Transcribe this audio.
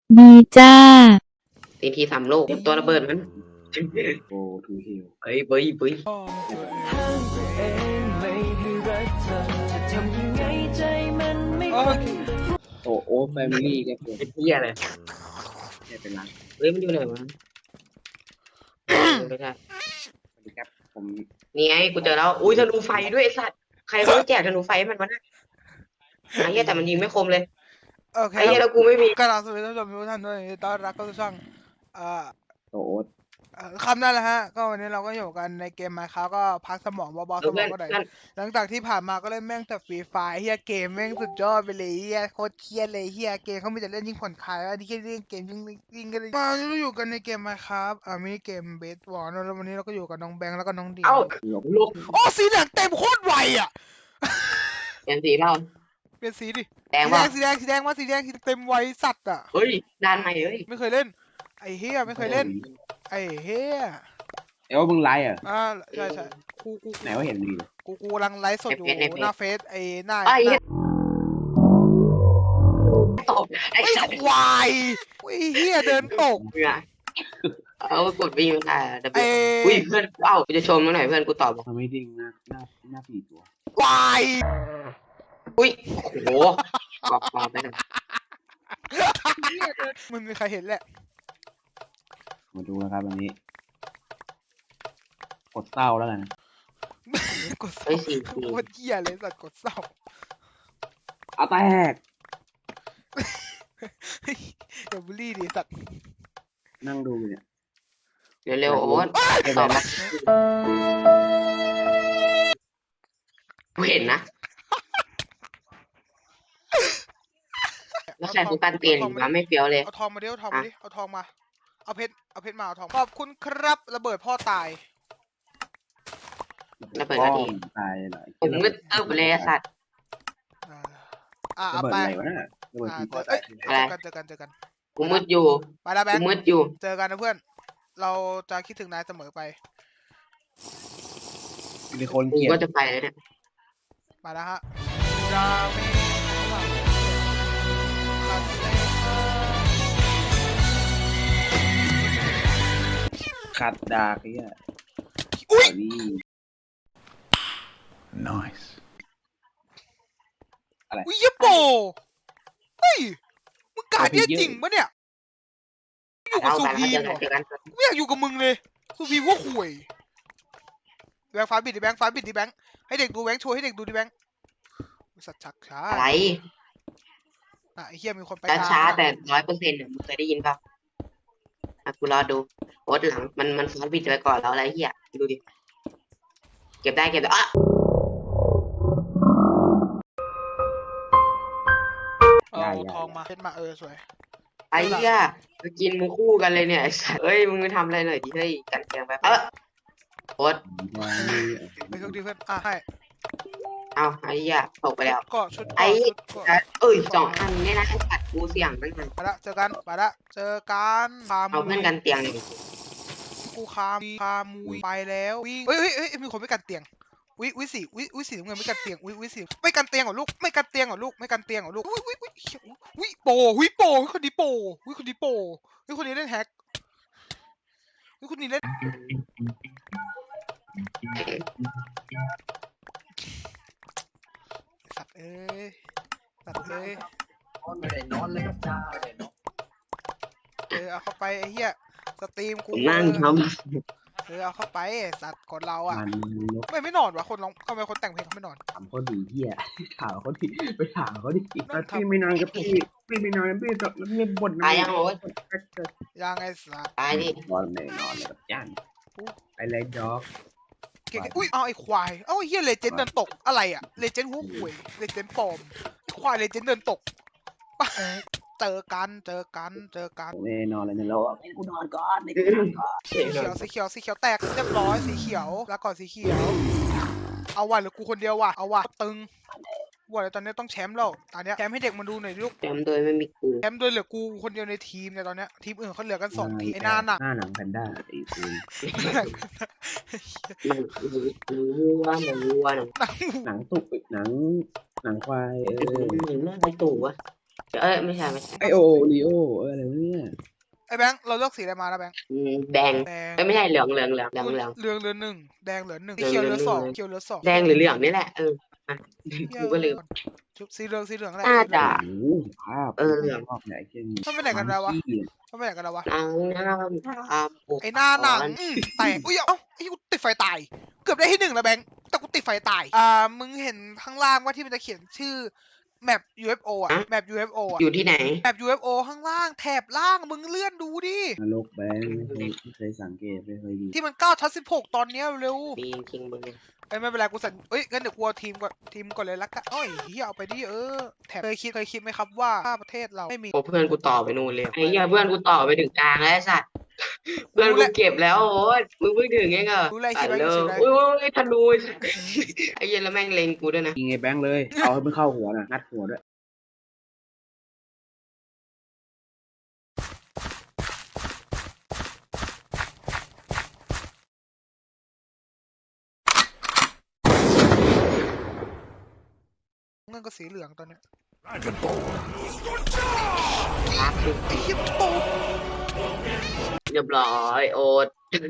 ดีจ้าทีทีสามโลกตัวระเบิดมันโอ้ทูฮิลเฮ้ยเบ้ยเบ้ยโอ้โอ้แฟมิลี่ก็เป็นเป็นเหี้ยอะไรไม่เป็นไรเฮ้ยมันอยู่ไหนวะไม่ใช่สวัสดีครับผมนี่ไงกูเจอแล้วอุ้ยธนูไฟด้วยไอ้สัตว์ใครเขาแจกธนูไฟให้มันวะเนี่ยไอ้เหี้ยแต่มันยิงไม่คมเลยโอเคไอ้เหี้ยแล้วกูไม่มีกราบสวัสดีท่านผู้ชมทุกท่านด้วยต้อนรับเข้าสู่ช่องอ่าโอ้โอ้คำนั่นแหละฮะก็วันนี้เราก็อยู่กันในเกม Minecraft ก็พักสมองเบาๆสมองก็ได้หลังจากที่ผ่านมาก็เล่นแม่งแต่ฟรีไฟเฮียเกมแม่งสุดยอดไปเลยเฮียโคตรเครียดเลยเฮียเกมเขาไม่แต่เล่นยิ่งผ่อนคลายแล้วที่เล่นเกมยิ่งกันเลยมาเราอยู่กันในเกม Minecraft มินิเกมเบสบอลแล้ววันนี้เราก็อยู่กับน้องแบงค์แล้วก็น้องดีเอ้าลูกโอ้สีเหลืองเต็มโคตรไวอ่ะเปลี่ยนสีเปล่าเปลี่ยนสีดิแดงป่ะสีแดงมาสีแดงเต็มไวสัตว์อ่ะเฮ้ยด้านใหม่เฮ้ยไม่เคยเล่นไอ้เฮียไม่เคยเล่นไอ้เฮียเอ้ามึงไลฟ์อ่ะใช่กูไหนว่าเห็นดีกูกำลังไลฟ์สดอยู่หน้าเฟซไอ้หน้าไอ้เหี้ยตบไอ้ไอ้สัตว์ควายไอ้เฮียเดินตกเบื่อเอากดไปยิงตายแต่ไอ้อุ้ยเพื่อนเอ้ากูจะชมมันหน่อยเพื่อนกูตอบบอกทำไม่ดิ้งหน้าสี่ตัวควายอุ้ยโอ้โหบอกไปหน่อยมันมีใครเห็นแหละมาดูนะครับวันนี้กดเศร้าแล้วกันกดเศเฮ้ร้ายสี่โคตรเฮียเลยสัตว์กดเศร้าเอาแตกเดี๋ยวบูลลี่ดิสัตว์นั่งดูเนี่ยเร็วๆโอ๊ตตอบมากูเห็นนะแล้วใส่กูการเปลี่ยนอีกวะไม่เปรี้ยวเลยเอาทองมาดิเอาทองมาดิเอาทองมาเอาเพชรมาเอาทองขอบคุณครับระเบิดพ่อตายระเบิดก็ดีตายหลายผมมืดตึ๊บเลยไอ้สัตว์เอาระเบิดไปอะไรวะเนี่ยระเบิดทีเจอกันกูมืดอยู่ไปแล้วแบกูงค์มืดอยู่เจอกันนะเพื่อนเราจะคิดถึงนายเสมอไปมีคนกูเกลียดก็จะไปแล้วเนี่ยมาแล้วฮะดาเมคัสเตขัดดาไอ้เหี้ยอุ้ยนี่ Nice. อุ้ยเยโปเฮ้ยมึงกาดเนี่ยจริงปะเนี่ยอยู่กับเอาซูไปแล้วพีมเจอกันเหรอไม่อยากอยู่กับมึงเลยซูพีมว่าห่วยแบงค์ฟ้าบิดดิแบงค์ให้เด็กดูแบงค์โชว์ให้เด็กดูดิแบงค์สัตว์ชักช้าอะไรไอ้เฮียมีคนไปช้าแต่100%เนี่ยมึงเคยได้ยินป่ะกูรอดูโอ๊ตหลังมันฟอสบิดไปก่อนแล้วอะไรเหี้ยดูดิเก็บได้อ่ะเอาทองมาเพชรมาสวยไอ้เหี้ยมากินมึงคู่กันเลยเนี่ยไอ้สัสเฮ้ยมึงทำอะไรหน่อยดิเฮ้ยกันแกงไปโอ๊ตไปเครื่องดีเพื่อนให้เอาไอ้เหี้ยตกไปแล้วก็ชุดไอ้ก็เอ้ย2 อันเนี่ยนะไอ้สัตว์กูเสี่ยงตั้งนานไปละเจอกันคาเอาเพื่อนกันเตียงเลยกูคามุยไปแล้ววิ่งเฮ้ยมีคนไม่กันเตียงวิสีน้ำเงินไม่กันเตียงวิสีไม่กันเตียงเหรอลูกไม่กันเตียงเหรอลูกวิโปคนดีโปคนนี้เล่นแฮกคนนี้เล่นสัตว์เอ้ยนอนเลยครับจ้าเอาเข้าไปไอ้เหี้ยสตรีมกูนั่งทเอาเข้าไปสัตว์คนเราอ่ะมันไม่นอนวะคนร้องทำไมคนแต่งเพลงเขาไม่นอนถามเขาดีเหี้ยถามเขาดิไปถามเขาดิพี่ไม่นอนกับพี่ไม่นอนพี่จะไม่บ่นำตายยังโอ๊ตยังไงสัตว์ตายดินอนเลยกับย่านไปเลยด็อกอุ้ยเอาไอ้ควายเอาไอ้เหี้ยเลเจนด์เดินตกอะไรอ่ะเลเจนด์หัวหวยเลเจนด์ปลอมไอ้ควายเลเจนด์เดินตกเจอกันไม่นอนเลยนะเราให้กูนอนก่อนให้กูนอนก่อนสีเขียวแตกเรียบร้อยสีเขียวแล้วก่อนสีเขียวเอาว่ะหรือกูคนเดียวว่ะเอาว่ะตึงว่าแล้วตอนนี้ต้องแชมป์แล้วตอนนี้แชมป์ให้เด็กมาดูหน่อยลูกจำโดยไม่มีกูแชมป์โดยเหลือกูคนเดียวในทีมเนี่ยตอนเนี้ยทีมอื่นเขาเหลือกัน2 ทีมไอ้หน้าหนักหน้าหนังแพนด้าไอ้คุณมันรู้ว่าหนังหนังตุกหนังควายเรื่องอะไรตู่วะไม่ใช่ไม่ใช่ไอโอลีโออะไรวะเนี่ยไอ้แบงค์เราเลือกสีอะไรมาแล้วแบงค์แดงแดงไม่ใช่เหลืองเหลืองเหลือหนึ่งแดงเหลือหนึ่งเหลืเขียวองเหลือสองเหลืองเขียวเหลือสองแดงหรือเหลืองนี่แหละอ่ะเหี้ยกูก็ลืมชุบสีเหลืองแหละน่าจะโอ้โหสภาพเหลืองรอบไหนเก่งมันไปไหนกันแล้ววะขี้มันไปไหนกันแล้ววะนางน้ำตามปกไอ้หน้าหนังอ่อนแตกอุ้ยเอ้าไอ้กูติดไฟตาย เกือบได้ที่หนึ่งแล้วแบงค์แต่กูติดไฟตายมึงเห็นข้างล่างว่าที่มันจะเขียนชื่อแมป UFO อ่ะแมป UFO อ่ะอยู่ที่ไหนแมป UFO ข้างล่างแถบล่างมึงเลื่อนดูดินรกแบงค์ไม่เคยสังเกตไม่เคยดูที่มัน9 ทับ 16ตอนเนี้ยเร็วมีจริงๆมึงเนี่ยเอ้ยไม่เป็นไรกูสั่นเอ้ยงั้นเดี๋ยวกูเอาทีมก่อนเลยละกันเอ้ยเฮียเอาไปดิแถบเคยคิดไหมครับว่าประเทศเราไม่มีโอ้เพื่อนกูต่อไปนู่นเลยไอ้เหี้ยเพื่อนกูต่อไปถึงกลางแล้วไอ้สัตว์เพื่อนกูเก็บแล้วโอ้ยมึงเพิ่งถึงเองเหรอรู้อะไรคิตัดดไว้เลคิยดไว้อุ้ยธนูไอ้เหี้ยแล้วแม่งเล็งกูด้วยนะยิงไอ้แบงค์เลย เอาให้มันเข้าหัวนะงัดหัวด้วยเงินก็สีเหลืองตอนเนี้ยครับไอ้เหี้ยตกเรียบร้อยโอ๊ต